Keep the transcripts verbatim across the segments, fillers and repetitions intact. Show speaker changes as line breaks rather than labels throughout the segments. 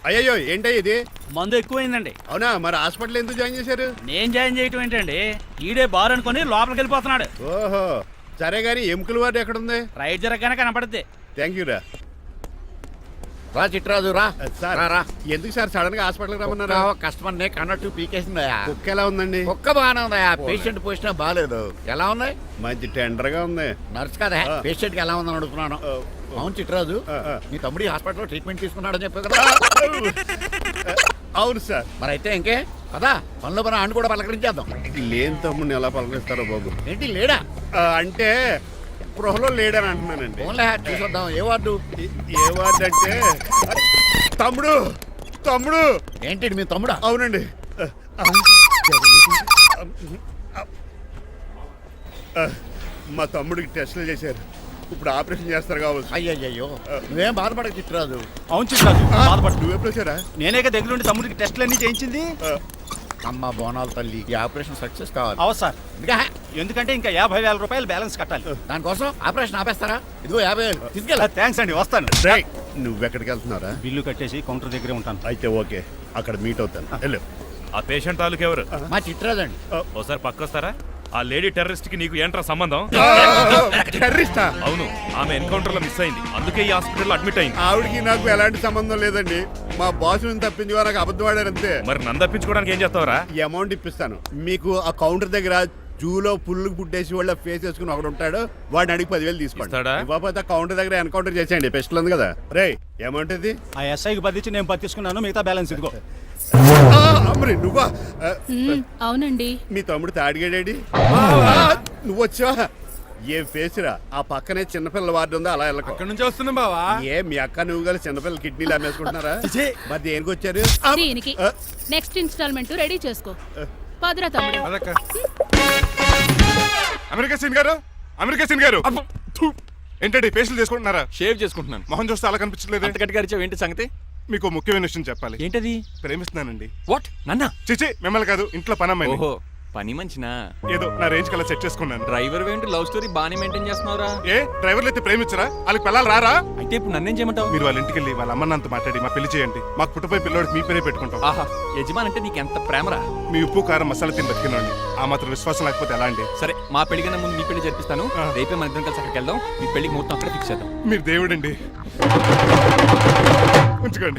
అయ్యో ఏంటో ఇది
మందు ఎక్కువైందండి.
అవునా? మరి హాస్పిటల్ ఎందుకు జాయిన్ చేశారు?
నేను జాయిన్ చేయటం ఏంటండి, ఈడే బార్ అనుకుని లోపలికి వెళ్ళిపోతున్నాడు.
ఓహో సరే గానీ ఎముకల వార్డు ఎక్కడుంది?
రైట్ జరగగానే కనపడుద్ది.
థ్యాంక్ యూ రా.
రా చిట్రాజు రా.
సార్
రా
ఎందుకు సార్ సడన్ గా హాస్పిటల్ రమ్మన్నారా?
కస్టమర్ నే కన్నట్టు పీకేసిందయా.
కుక్క ఎలా ఉందండి?
కుక్క బాగానే ఉందయా, పేషెంట్ పొజిషన్ బాగాలేదు. ఎలా ఉంది?
మంచి టెండర్ గా ఉంది.
నర్స్ కదా పేషెంట్ కి ఎలా ఉందని అడుగుతున్నాను. అవును చిట్రాజు, మీ తమ్ముడి హాస్పిటల్లో ట్రీట్మెంట్ తీసుకున్నాడని చెప్పావు కదా?
అవును సార్.
మరి అయితే ఇంకే కదా పనిలో పని ఆండు కూడా పలకరించేద్దాం.
లేని తమ్ముడిని ఎలా పలకరిస్తారో బాబు.
ఏంటి లేడా?
అంటే గృహలో లేడని అంటున్నానండి.
ఓన్లే చూసొద్దాం. ఏ వార్డు?
ఏ వార్డు అంటే తమ్ముడు తమ్ముడు
ఏంటి మీ తమ్ముడా?
అవునండి. మా తమ్ముడికి టెస్టులు చేశారు, ఇప్పుడు ఆపరేషన్ చేస్తారు కావచ్చు.
అయ్యయ్యో నువ్వేం బాధపడక చిట్రాజు.
అవును చిట్రాజు బాధపడు.
నువ్వు ఎప్పుడు వచ్చారా?
నేనేక దగ్గరుండి తమ్ముడికి టెస్టులు అన్ని చేయించింది.
అమ్మ బోనాల తల్లి, ఈ ఆపరేషన్ సక్సెస్ కావాలి.
అవు సార్,
ఇంకా
ఎందుకంటే ఇంకా యాభై వేల రూపాయలు బ్యాలెన్స్ కట్టాలి.
దానికోసం ఆపరేషన్ ఆపేస్తారా? ఇదిగో యాభై వేలు తీసుకెళ్ళా.
థ్యాంక్స్ అండి, వస్తాను.
నువ్వెక్కడికి వెళ్తున్నారా?
బిల్లు కట్టేసి కౌంటర్ దగ్గరే ఉంటాను.
అయితే ఓకే, అక్కడ మీట్ అవుతాను. వెళ్ళు.
ఆ పేషెంట్ తాలూకు ఎవరు?
మా చిట్రాజు అండి.
ఓసారి పక్కొస్తారా? ఆ లేడీ టెర్రరిస్ట్ కి నీకు ఏంట్రా సంబంధం?
టెర్రరిస్టా?
అవును, ఆమె ఎన్కౌంటర్ లో మిస్ అయింది, అందుకే ఈ హాస్పిటల్ అడ్మిట్ అయింది.
ఆవిడకి నాకు ఎలాంటి సంబంధం లేదండి. మా బాస్ నుంచి తప్పించుకో నాకు అబద్ధం ఆడారు అంతే.
మరి నన్ను తప్పించుకోవడానికి ఏం చేస్తావరా?
ఈ అమౌంట్ ఇప్పిస్తాను మీకు. ఆ కౌంటర్ దగ్గర జూలో పుల్లు పుట్టేసి వాళ్ళ ఫేస్ వేసుకుని ఒకడు ఉంటాడు, వాడిని అడిగి పదివేలు తీసుకోండి. ఇవ్వకపోతే కౌంటర్ దగ్గర ఎన్కౌంటర్ చేసేయండి. పెస్టల్ ఉంది కదా. రే అమౌంట్ ఇది.
ఆ ఎస్ఐకి బదిలించి నేను పది తీసుకున్నాను, మిగతా బ్యాలెన్స్ ఇదిగో.
అమ్మరి నువ్వా?
అవునండి.
మీ తమ్ముడు తాడిగాడేడి? నువ్వు వచ్చావా? ఏ ఫేస్ రా. ఆ పక్కనే చిన్నపిల్లల వార్డు ఉందా, అలా వెళ్ళకు.
అక్కడ నుంచి వస్తున్నాం బావా.
ఏ మీ అక్క నువ్వు గల చిన్నపిల్లల కిడ్నీలు అమ్మేసుకుంటున్నారా? మరి దేనికి వచ్చారు?
దీనికి నెక్స్ట్ ఇన్స్టాల్మెంట్ రెడీ చేసుకో. పదరా తమ్ముడు.
అమెరికా సీన్ గారు, అమెరికా సీన్ గారు ఏంటండి ఫేషియల్ చేసుకుంటున్నారా?
షేవ్ చేసుకుంటున్నాను.
మొహం చూస్తే అలా కనిపించలేదు.
అంత గట్టిగా అరిచావు, ఏంటి సంగతి?
మీకు ముఖ్యమైన విషయం చెప్పాలి.
ఏంటది?
ప్రేమిస్తున్నానండి.
వాట్? నన్నా?
చిచి మిమ్మల్ని కాదు, ఇంట్లో పని అమ్మాయి.
ఓహో పని మంచినా?
ఏదో నా రేంజ్ కల్లా సెట్ చేసుకున్నాను.
డ్రైవర్ ఏంటి లవ్ స్టోరీ బానే మెయింటైన్ చేస్తున్నావురా?
ఏ డ్రైవర్లు అయితే ప్రేమించరా? వాళ్ళకి పిల్లలు రారా?
అయితే ఇప్పుడు నన్నేం చేయమంటావు?
మీరు వాళ్ళ ఇంటికి వెళ్ళి వాళ్ళ అమ్మన్నంత మాట్లాడి మా పెళ్లి చేయండి. మాకు పుట్టపోయి పిల్లోడికి మీ పేరే పెట్టుకుంటాం.
ఆహా, యజమాన్ అంటే నీకు ఎంత ప్రేమరా?
మీ ఉప్పు కారం మసాలా తిని బతికినండి. ఆ మాత్రం విశ్వాసం లేకపోతే ఎలా అండి?
సరే, మా పెళ్లి కన్నా ముందు మీ పెళ్లి జరిపిస్తాను. రేపే మన ఇద్దరం కలిసి అక్కడికి వెళ్దాం. మీ పెళ్లికి మొత్తం అక్కడే ఫిక్స్ చేద్దాం.
మీరు దేవుడండి. ఉంచుకోండి.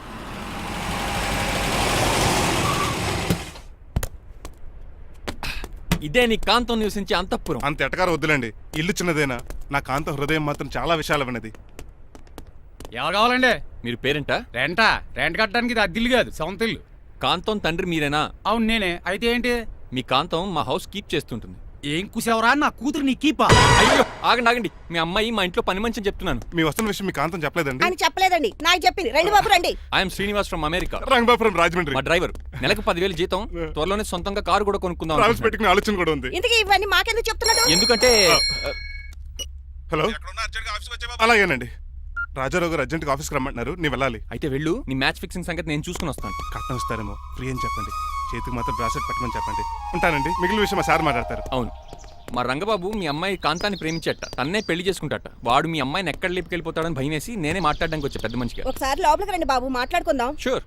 ఇదే నీ కాంతం నివసించే అంతఃపురం.
అంత ఎటకారం వద్దులండి. ఇల్లు చిన్నదేనా, నా కాంత హృదయం మాత్రం చాలా విశాలమైనది.
ఎవరు కావాలండి?
మీరు పేరెంటా?
రెంటా? రెంట్ కట్టడానికి ఇది అద్దిల్లు కాదు, సొంత ఇల్లు.
కాంతం తండ్రి మీరేనా?
అవును నేనే. అయితే ఏంటి?
మీ కాంతం మా హౌస్ కీప్ చేస్తుంటుంది.
ఏం కూసేవరా? నా కూతురు నీ కీపా?
అయ్యో ఆగండి ఆగండి, మీ అమ్మాయి మా ఇంట్లో పని మంచి చెప్తున్నాను.
మీ వస్తున్న విషయం మీ కాంతం చెప్పలేదండి?
అని చెప్పలేదండి, నాకు చెప్పింది. రండి బాబు రండి.
I'm Srinivas from America.
Rangabapuram Rajahmundry.
మా డ్రైవర్. నెలకు పదివేలు జీతం, త్వరలోనే సొంతంగా కారు కూడా కొనుక్కుందాం.
ట్రావెల్స్ పెట్టుకునే ఆలోచన కూడా ఉంది.
ఇంతకీ ఇవన్నీ మాకెందుకు చెప్తున్నాడు?
ఎందుకంటే
హలో అలాగేనండి. రాజారావు గారు అర్జెంట్గా ఆఫీస్కి రమ్మంటున్నారు, నీ వెళ్ళాలి.
అయితే వెళ్ళు, నీ మ్యాచ్ ఫిక్సింగ్ సంగతి నేను చూసుకుని వస్తాను.
కట్నం ఇస్తారేమో, ఫ్రీ అని చెప్పండి. చేతికి మాత్రం బ్రాసెట్ పెట్టమని చెప్పండి. ఉంటానండి. మిగిలిన విషయం మా సార్ మాట్లాడతారు.
అవును, మా రంగబాబు మీ అమ్మాయి కాంతాన్ని ప్రేమించట, తన్నే పెళ్లి చేసుకుంటాట. వాడు మీ అమ్మాయిని ఎక్కడ లేపుకెళ్ళిపోతాడని భయం వేసి నేనే మాట్లాడడానికి వచ్చా పెద్ద మనిషిగా.
ఒకసారి లోపలికి రండి బాబు, మాట్లాడుకుందాం.
షూర్.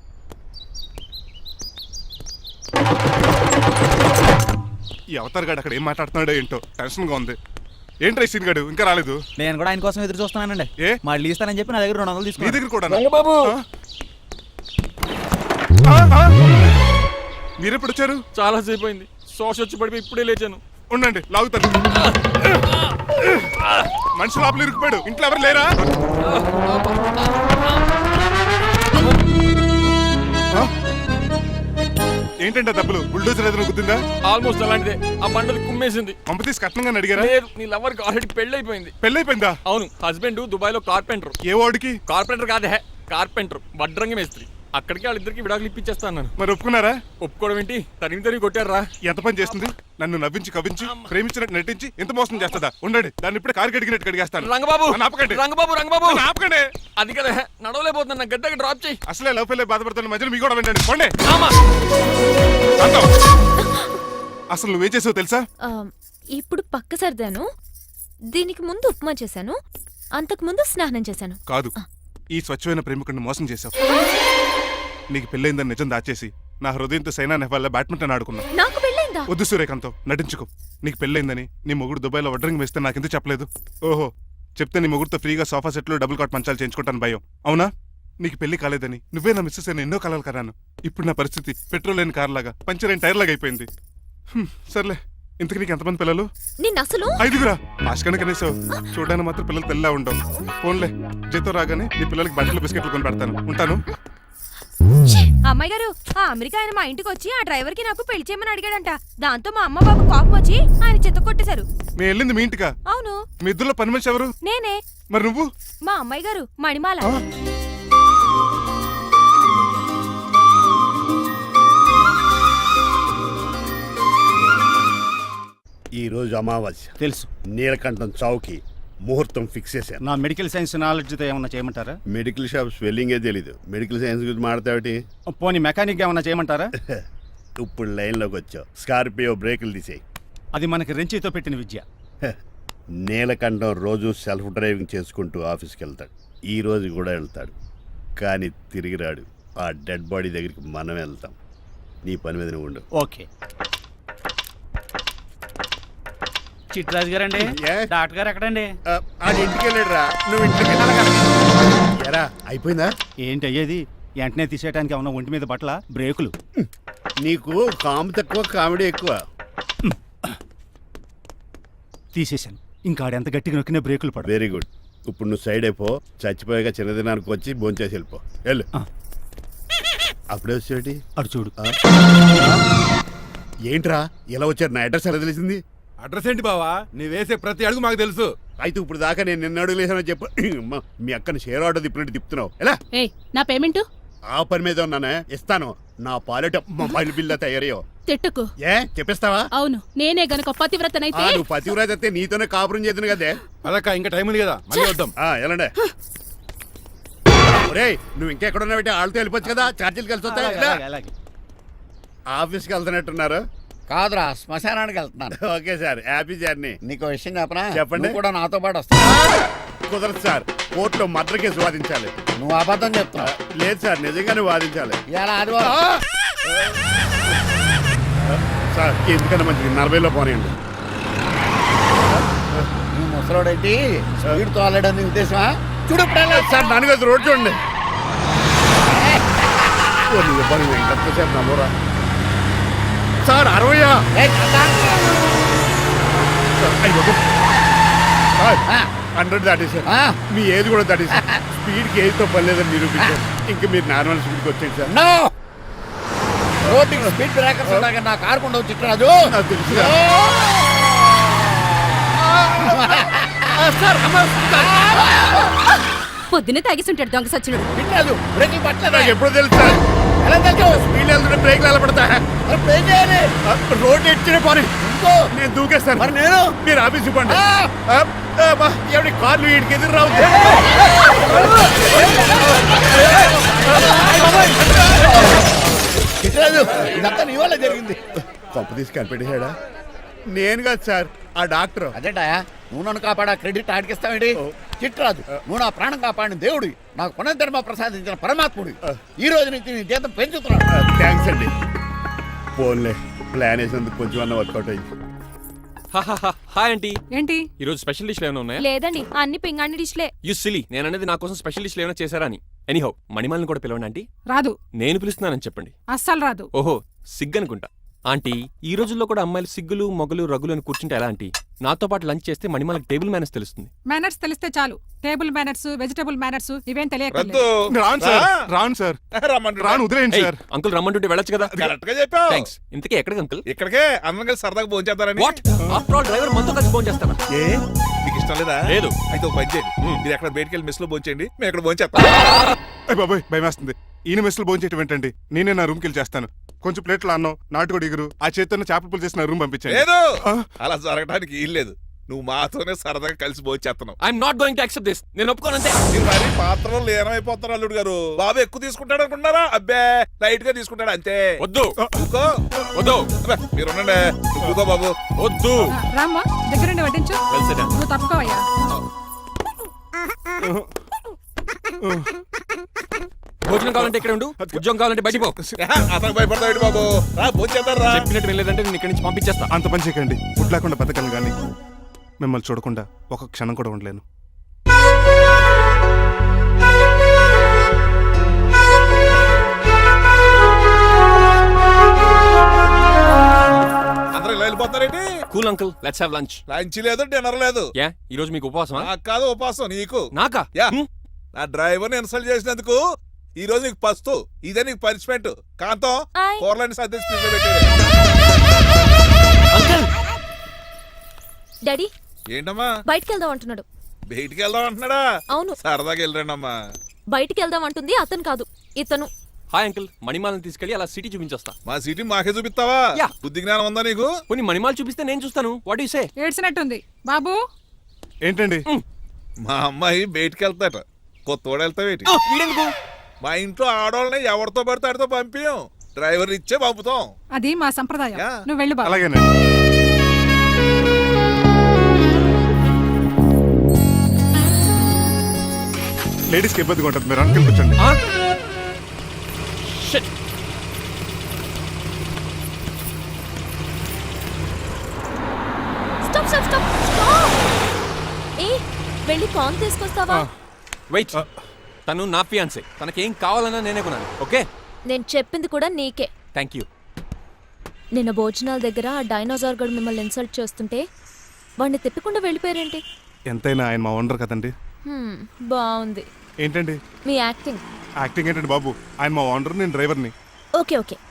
ఈ అవతార్ గాడు అక్కడ ఏం మాట్లాడుతున్నాడో ఏంటో టెన్షన్గా ఉంది. ఏంట్రా సీన్ గాడు ఇంకా రాలేదు?
నేను కూడా ఆయన కోసం ఎదురు చూస్తున్నానండి.
ఏ
మళ్ళీ ఇస్తానని చెప్పి నా దగ్గర రెండు వందలు
నీ
తీసుకుని.
దగ్గర కూడా
రంగబాబు
మీరెప్పుడు వచ్చారు?
చాలా సేపు అయింది, శోష వచ్చి పడిపోయి ఇప్పుడే లేచాను.
ఉండండి లాగుతాను. మనిషి లోపల ఇరుక్కుపోయాడు, ఇంట్లో ఎవరు లేరా? ఏంటంటే డబ్బులు బుల్డోజర్ ఏదైనా గుద్దిందా?
ఆల్మోస్ట్ అలాంటిదే. ఆ బండలు కుమ్మేసింది.
పంప తీసి కట్నంగా అడిగారా?
లేదు, నీ లవర్ కి ఆల్రెడీ పెళ్లి అయిపోయింది.
పెళ్ళైపోయిందా?
అవును, హస్బెండ్ దుబాయ్ లో కార్పెంటర్.
ఏ వాడికి?
కార్పెంటర్ కాదే, కార్పెంటర్, వడ్రంగి మేస్త్రి. అక్కడికి వాళ్ళిద్దరికి విడాకులు ఇప్పించేస్తాను.
మరి ఒప్పుకున్నారా?
ఒప్పుకోవడం ఏంటి, తరిమి తరిమి కొట్టారా.
ఎంత పని చేస్తుంది? నన్ను నవ్వించి కవించి ప్రేమించినట్టు నటించి ఎంత మోసం చేస్తుందా? ఉండండి, దాన్ని ఇప్పుడు కారు కడిగినట్టు కడిగేస్తాను.
రంగబాబు
ఆపకండి.
రంగబాబు రంగబాబు
ఆపకండి.
అది కదా నడవలేకపోతున్నా, గద్దకి డ్రాప్ చేయి.
అసలే లవ్ ఫెయిల్ బాధపడుతున్న మధ్యలో మీ కూడా వినండి. పోండి. అసలు నువ్వేం చేసావు తెలుసా?
ఇప్పుడు పక్క సర్దాను. దీనికి ముందు ఉప్మా చేశాను, అంతకు ముందు స్నానం చేశాను.
కాదు, ఈ స్వచ్ఛమైన ప్రేమికుడిని మోసం చేశావు. నీకు పెళ్ళైందని నిజం దాచేసి నా హృదయంతో సైనా నెహ్వాల్ బ్యాడ్మింటన్ ఆడుకున్నా.
నాకు పెళ్ళైందా?
వద్దు సూర్యకాంతం, నటించుకో. నీకు పెళ్ళైందని నీ మొగుడు దుబాయ్లో వడ్రింగ్ వేస్తే నాకెందుకు చెప్పలేదు? ఓహో, చెప్తే నీ మొగుడుతో ఫ్రీగా సోఫా సెట్లు డబుల్ కాట్ మంచాలు చేయించుకుంటాను భయం. అవునా? నీకు పెళ్లి కాలేదని నువ్వే నా మిస్సెస్ అని ఎన్నో కలలు కరాను. ఇప్పుడు నా పరిస్థితి పెట్రోల్ లేని కార్ లాగా, పంచర్ అయిన టైర్ లాగా అయిపోయింది. హ్మ్, సర్లే. ఇంతకు నీకు ఎంతమంది పిల్లలు?
నిన్న అసలు
ఐదుగురా. ఆశకన కనీసం చూడడానికి మాత్రం పిల్లలు తెల్లా ఉండవు. ఫోన్లే, జీతం రాగానే నీ పిల్లలకి బట్టలు బిస్కెట్లు కొని పెడతాను. ఉంటాను.
అమ్మాయి గారు, ఆ అమెరికా ఆయన మా ఇంటికి వచ్చి ఆ డ్రైవర్ కి నాకు పెళ్లి చేయమని అడిగాడంట. దాంతో మా అమ్మ బాబు కోపం వచ్చి ఆయన చెత్త కొట్టేశారు.
మేము వెళ్ళింది మీ ఇంటికా?
అవును.
మీ ఇద్దరులో పని మనిషి ఎవరు?
నేనే.
మరి నువ్వు?
మా అమ్మాయి గారు మణిమాల.
ఈ రోజు అమావాస్య
తెలుసు.
నీలకంఠం చౌకి ముహూర్తం ఫిక్స్ చేశాను.
నా మెడికల్ సైన్స్ నాలెడ్జ్తో ఏమన్నా చేయమంటారా?
మెడికల్ షాప్ స్వెల్లింగే తెలీదు, మెడికల్ సైన్స్ గురించి మాట్లాడతావిటి?
పోనీ మెకానిక్ ఏమన్నా చేయమంటారా?
ఇప్పుడు లైన్లోకి వచ్చావు. స్కార్పియో బ్రేకులు తీసేయి.
అది మనకి రెంచితో పెట్టిన విద్య.
నీలకంఠం రోజు సెల్ఫ్ డ్రైవింగ్ చేసుకుంటూ ఆఫీస్కి వెళ్తాడు. ఈ రోజు కూడా వెళ్తాడు, కానీ తిరిగి రాడు. ఆ డెడ్ బాడీ దగ్గరికి మనం వెళ్తాం. నీ పని మీద నువ్వు ఉండు.
ఓకే. చిట్రాజు గారండి,
ఏ?
డాక్టర్ గారు ఎక్కడండి?
ఆ, ఆడి ఇంటికి వెళ్ళాడు రా. నువ్వు ఇంటికి వెళ్ళాలి. ఎరా అయిపోయిందా?
ఏంటి అయ్యేది? వెంటనే తీసేయడానికి ఏమన్నా ఒంటి మీద బట్టల బ్రేకులు?
నీకు కాము తక్కువ, కామెడీ ఎక్కువ.
తీసేశాను. ఇంకా ఆడెంత గట్టిగా నొక్కినా బ్రేకులు పడ.
Very good. ఇప్పుడు నువ్వు సైడ్ అయిపో. చచ్చిపోయాక చిన్నదినానికి వచ్చి భోంచేసి వెళ్ళిపో. వెళ్ళు.
ఆ.
అప్పుడే వచ్చేటి?
అటు చూడు.
ఏంట్రా ఇలా వచ్చారు? నా అడ్రస్ ఎలా తెలిసింది?
అడ్రస్ ఏంటి బావా? నీ వేసే ప్రతి అడుగు మాకు తెలుసు.
అయితే ఇప్పుడు దాకా నేను నిన్న అడుగులేసానని చెప్పు. అమ్మా, మీ అక్కని షేర్ ఆర్డర్ తిప్పినట్టు తిప్పుతున్నావు. ఎలా?
ఏయ్, నా పేమెంట్
ఆ పని మీద ఉన్నానే, ఇస్తాను. నా పాలెట మొబైల్ బిల్లా తయారయ్యో.
తిట్టుకు.
ఏ చెప్పిస్తావా?
అవును, నేనే గనక పతివ్రతనైతే.
నువ్వు పతివ్రత అయితే నీతోనే కాపురం చేద్దును కదే.
అదక్క ఇంకా టైం ఉంది కదా, మళ్ళీ వద్దాం.
ఆ, ఎలాండే ఒరేయ్, నువ్వు ఇంకెక్కడున్నా పెట్టి వాళ్ళతో వెళ్ళిపోవచ్చు కదా. ఛార్జీలు కలిసి వస్తాయి. ఎలా?
అలాగే, అలాగే.
ఆఫీస్కి వెళ్తున్నట్టున్నారు.
కాదురా, శ్మశానానికి వెళ్తున్నాను.
Okay sir, happy journey.
నీకు విషయం చెప్పనా?
చెప్పండి.
నువ్వు కూడా నాతో పాటు వస్తావు.
కుదరదు సార్, కోర్టులో మర్డర్ కేసు వాదించాలి.
నువ్వు అబద్ధం చెప్తావు.
లేదు సార్, నిజంగానే వాదించాలి.
ఇలా ఆదివారం
సార్ ఎందుకన్నా మంచిది నలభైలో పోనీయండి.
నువ్వు ముసలోడేంటి స్పీడ్ తోలడని ఉద్దేశమా? చూడు
సార్ నాన్నగారు రోడ్ చూడండి. ఎంతసేపు నమ్మరా సార్? అరవయా? హండ్రెడ్ దాటేసారు. మీ ఏజ్ కూడా దాటేసారు. స్పీడ్కి ఏజ్తో పని లేదని నిరూపించారు. ఇంకా మీరు నార్మల్ స్పీడ్కి వచ్చేది సార్.
రోడ్డుకి స్పీడ్ బ్రేకర్స్ ఉండగా నా కారు కొండ చిట్రాజు.
నాకు తెలుసు
పొద్దునే తాగిస్తుంటాడు దొంగ సచ్చినుడు.
చిట్రాజు బ్రేకింగ్ పట్టలేదు.
నాకు ఎప్పుడు తెలుసు సార్?
ఎలా తెలుసు?
స్పీడ్ వెళ్తుంటే బ్రేక్లు ఎలా పడతాయి?
బ్రేక్ చేయాలి.
రోడ్డు ఎచ్చిన పోనీ
ఇంకో
నేను దూకేస్తాను.
మరి నేను
మీరు ఆఫీస్ ఇవ్వండి. ఎవరి కార్లు వీడికి ఎదురు రావు.
చిట్రాజు ఇదంతా నీ వల్ల జరిగింది.
కొంప తీసి కనిపెట్టేశాడా? నేను కాదు సార్, ఆ డాక్టర్.
అదేంటా నువ్వు నన్ను కాపాడా క్రెడిట్ ఆడికిస్తావేంటి? చిట్రాజు నువ్వు నా ప్రాణం కాపాడిన దేవుడి, నాకు పునర్ధర్మ ప్రసాదించిన పరమాత్ముడి. ఈ రోజు నుంచి నీ జీతం పెంచుతున్నాడు.
థ్యాంక్స్ అండి. ఫోన్లే, ప్లాన్ వేసినందుకు కొంచెం అన్న వర్కౌట్ అయింది.
Hi aunty.
ఏంటి
ఈ రోజు స్పెషల్ డిష్లు ఏమైనా ఉన్నాయా?
లేదండి, అన్ని పింగాణి డిష్లే.
యు సిలీ, నేను అనేది నా కోసం స్పెషల్ డిష్లు ఏమైనా చేశారా అని. ఎనీహౌ, మణిమాలని కూడా పిలవండి ఆంటీ.
రాదు,
నేను పిలుస్తున్నానని చెప్పండి.
అస్సలు రాదు.
ఓహో, సిగ్గనుకుంటా. ఆంటీ, ఈ రోజుల్లో కూడా అమ్మాయిలు సిగ్గులు మొగలు రగులు అని కూర్చుంటే ఎలా ఆంటీ? నాతో పాటు లంచ్ చేస్తే మణిమాలకి టేబుల్ మేనర్స్ తెలుస్తుంది.
మేనర్స్ తెలిస్తే చాలు. టేబుల్ మేనర్స్, వెజిటబుల్ మేనర్స్ ఇవేం తెలియక.
రాను సార్, రాను సార్, రాను వదిలేయండి సార్.
అంకుల్ రమ్మంటుంటే వెళ్ళొచ్చు కదా.
కరెక్ట్ గా చెప్పావు.
థ్యాంక్స్. ఇంతకీ ఎక్కడికి అంకుల్?
ఇక్కడికే అందరం కలిసి సరదాగా భోజనం చేద్దారని.
వాట్? ఆఫ్టర్ ఆల్ డ్రైవర్ మనతో కలిసి ఫోన్ చేస్తాను.
ఏ నీకు ఇష్టం లేదా?
లేదు.
అయితే ఒక పని చేయండి, మీరు ఎక్కడ బయటికి వెళ్ళి మెస్ లో భోజనం చేయండి, మేము ఎక్కడ భోజనం చేస్తాం.
అయ్య బాబాయ్ భయమేస్తుంది. ఈయన మెస్సులు భోజనం చేయటం ఏంటండి? నేనే నా రూమ్కి వెళ్ళి చేస్తాను. కొంచెం ప్లేట్లు అన్నం, నాటుకోడి ఇగురు, ఆ చేతితో చేపల పులుసు చేసి నా రూమ్ పంపించాను.
లేదు, అలా జరగడానికి ఏం లేదు. నువ్వు మాతోనే సరదాగా కలిసి భోజనం చేస్తున్నావు.
I'm not going to accept this. నేను ఒప్పుకోనంతే.
మీరు మరి పాత్రలో లీనమైపోతారు అల్లుడు గారు. బాబు ఎక్కువ తీసుకుంటాడు అనుకుంటున్నారా? అబ్బే లైట్ గా తీసుకుంటాడు అంతే.
వద్దు
ఊకో.
వద్దు.
అబ్బే, మీరు ఉండండి. నువ్వు ఊకో బాబు.
వద్దు.
రామ్మా, దగ్గరుండి వడ్డించు.
Well said.
నువ్వు తప్పుకోవయ్యా.
భోజనం కావాలంటే ఇక్కడ ఉండు, ఉద్యోగం కావాలంటే బయటికి పో.
అతను భయపడతాడు బాబు. రా భోజనం రా.
చెప్పినట్టు వెళ్ళలేదంటే నేను ఇక్కడి నుంచి పంపించేస్తా.
అంత పని చేయకండి. ఫుడ్ లేకుండా బతకను కానీ మిమ్మల్ని చూడకుండా ఒక క్షణం కూడా ఉండలేను.
అందరూ ఇలా వెళ్ళిపోతారేంటి?
Cool uncle, let's have lunch.
Lunch లేదు, డిన్నర్ లేదు.
యా ఈ రోజు మీకు ఉపవాసమా?
నాకు కాదు ఉపాసం, నీకు.
నాకా?
యా.
హ్మ్.
నా డ్రైవర్ని ఇన్సల్ట్ చేసినందుకు ఈ రోజు నీకు పస్తు, ఇదే నీకు పనిష్మెంట్. కాంతం
ఆయ్.
కూరలని సర్ది స్పీడ్ లో పెట్టాడు.
అంకుల్
డాడీ
ఏంటమ్మా
బయటికి వెళ్దాం అంటున్నాడు.
బయటికి వెళ్దాం అంటున్నాడా?
అవును.
సరదాగా వెళ్ళరండమ్మా.
బయటికి వెళ్దాం అంటుంది అతను కాదు, ఇతను.
హాయ్ అంకుల్, మణిమాలను తీసుకెళ్ళి అలా సిటీ చూపించొస్తా.
మా సిటీ మాకే చూపిస్తావా?
యా.
బుద్ధి జ్ఞానం ఉందా నీకు?
కొన్ని మణిమాలు చూపిస్తే నేను చూస్తాను. What you say?
ఏడ్చినట్టుంది బాబు.
ఏంటండి?
మా అమ్మాయి బయటికి వెళ్తాట. కొత్తోడు వెళ్తావేటి?
వీడెందుకు?
మా ఇంట్లో ఆడవాళ్ళని ఎవరితో పడితే ఆడితో పంపించం, డ్రైవర్ ఇచ్చే పంపుతాం.
అది మా సంప్రదాయం.
యా.
నువ్వు వెళ్ళు బాబు.
అలాగేనండి. లేడీస్కి ఇబ్బందిగా ఉంటుంది, మీరు అనుకుని కూర్చోండి.
ఆ? Shit.
Stop stop stop stop. ఏ వెళ్ళి పాన్ తీసుకొస్తావా?
వెయిట్, తను నా ఫియాన్సే. తనకేం కావాలన్నా నేనే కొనాలి. ఓకే,
నేను చెప్పింది కూడా నీకే.
Thank you.
నిన్న భోజనాల దగ్గర ఆ డైనోసార్ గడు మిమ్మల్ని ఇన్సల్ట్ చేస్తుంటే వాడిని తిప్పకుండా వెళ్ళిపోయారేంటి?
ఎంతైనా ఆయన మా ఓనర్ కదండి.
హ్మ్, బాగుంది
ఏంటండి
మీ యాక్టింగ్.
యాక్టింగ్ ఏంటండి బాబు? ఆయన మా ఓనర్, నేను డ్రైవర్ని.
Okay okay